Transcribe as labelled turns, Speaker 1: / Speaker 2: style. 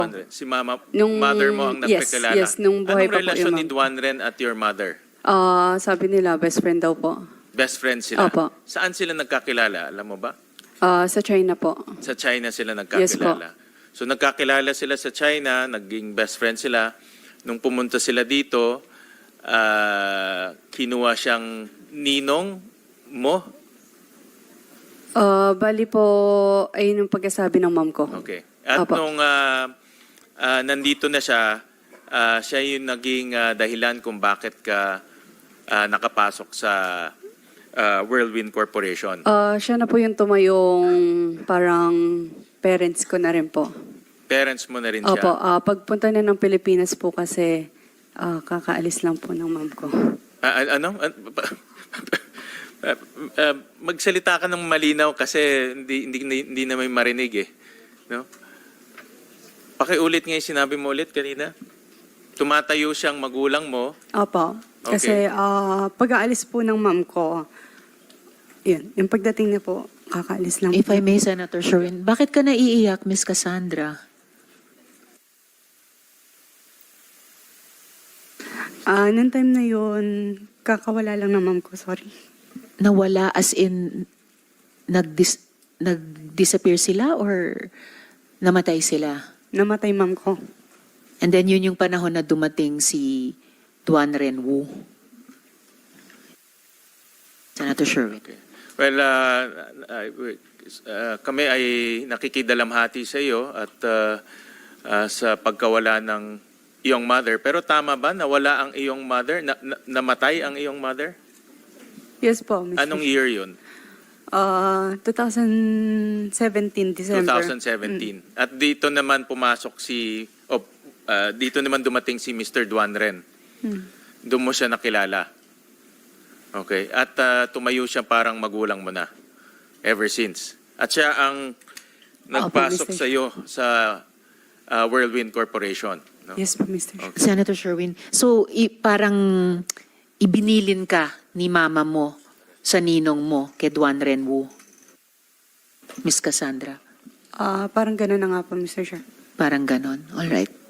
Speaker 1: Si mama,
Speaker 2: Nung-
Speaker 1: mother mo ang
Speaker 2: yes,
Speaker 1: nagpakilala.
Speaker 2: yes, nung buhay
Speaker 1: Anong
Speaker 2: pa po
Speaker 1: relasyon
Speaker 2: yung
Speaker 1: ni Duan Ren at your mother?
Speaker 2: Sabi nila, best friend daw po.
Speaker 1: Best friends sila?
Speaker 2: Opo.
Speaker 1: Saan sila nagkakilala? Alam mo ba?
Speaker 2: Sa China po.
Speaker 1: Sa China sila nagkakilala. So nagkakilala sila sa China, naging best friend sila. Nung pumunta sila dito, kinuha siyang ninong mo?
Speaker 2: Bali po, ayun yung pagkasabi ng mom ko.
Speaker 1: Okay. At
Speaker 2: Opo.
Speaker 1: nung nandito na siya, siya yung naging dahilan kung bakit ka nakapasok sa Whirlwind Corporation.
Speaker 2: Siya na po yung tumayong parang parents ko na rin po.
Speaker 1: Parents mo na rin siya.
Speaker 2: Opo, pagpunta na ng Pilipinas po kasi kakaalis lang po ng mom ko.
Speaker 1: Ano? Magsalita ka ng malinaw kasi hindi na may marinig eh. No? Pakiulit nga yung sinabi mo ulit kanina. Tumatayo siyang magulang mo.
Speaker 2: Opo, kasi pag-aalis po ng mom ko, yun, yung pagdating niya po, kakaalis lang
Speaker 3: If
Speaker 2: po.
Speaker 3: I may, Senator Sherwin, bakit ka naiiyak, Miss Cassandra?
Speaker 2: Nung time na yun, kakawala lang ng mom ko, sorry.
Speaker 3: Nawala as in nag-disappear sila or namatay sila?
Speaker 2: Namatay mom ko.
Speaker 3: And then yun yung panahon na dumating si Duan Renwu. Senator Sherwin.
Speaker 1: Okay. Well, kami ay nakikidalamhati sa iyo at sa pagkawala ng iyong mother. Pero tama ba nawala ang iyong mother? Namatay ang iyong mother?
Speaker 2: Yes po, Mr.
Speaker 1: Anong year yun?
Speaker 2: 2017, December.
Speaker 1: 2017. At dito naman pumasok dito naman dumating si Mr. Duan Ren. Doon mo siya nakilala. Okay. At tumayo siya parang magulang mo na. Ever since. At siya ang nagpasok
Speaker 2: Mr.
Speaker 1: sa iyo sa Whirlwind Corporation. No?
Speaker 2: Yes po, Mr.
Speaker 1: Okay.
Speaker 3: Senator Sherwin, so parang ibinilin ka ni mama mo sa ninong mo kay Duan Renwu, Miss Cassandra?
Speaker 2: Parang gano'n na nga po, Mr. Chair.
Speaker 3: Parang ganon. All right.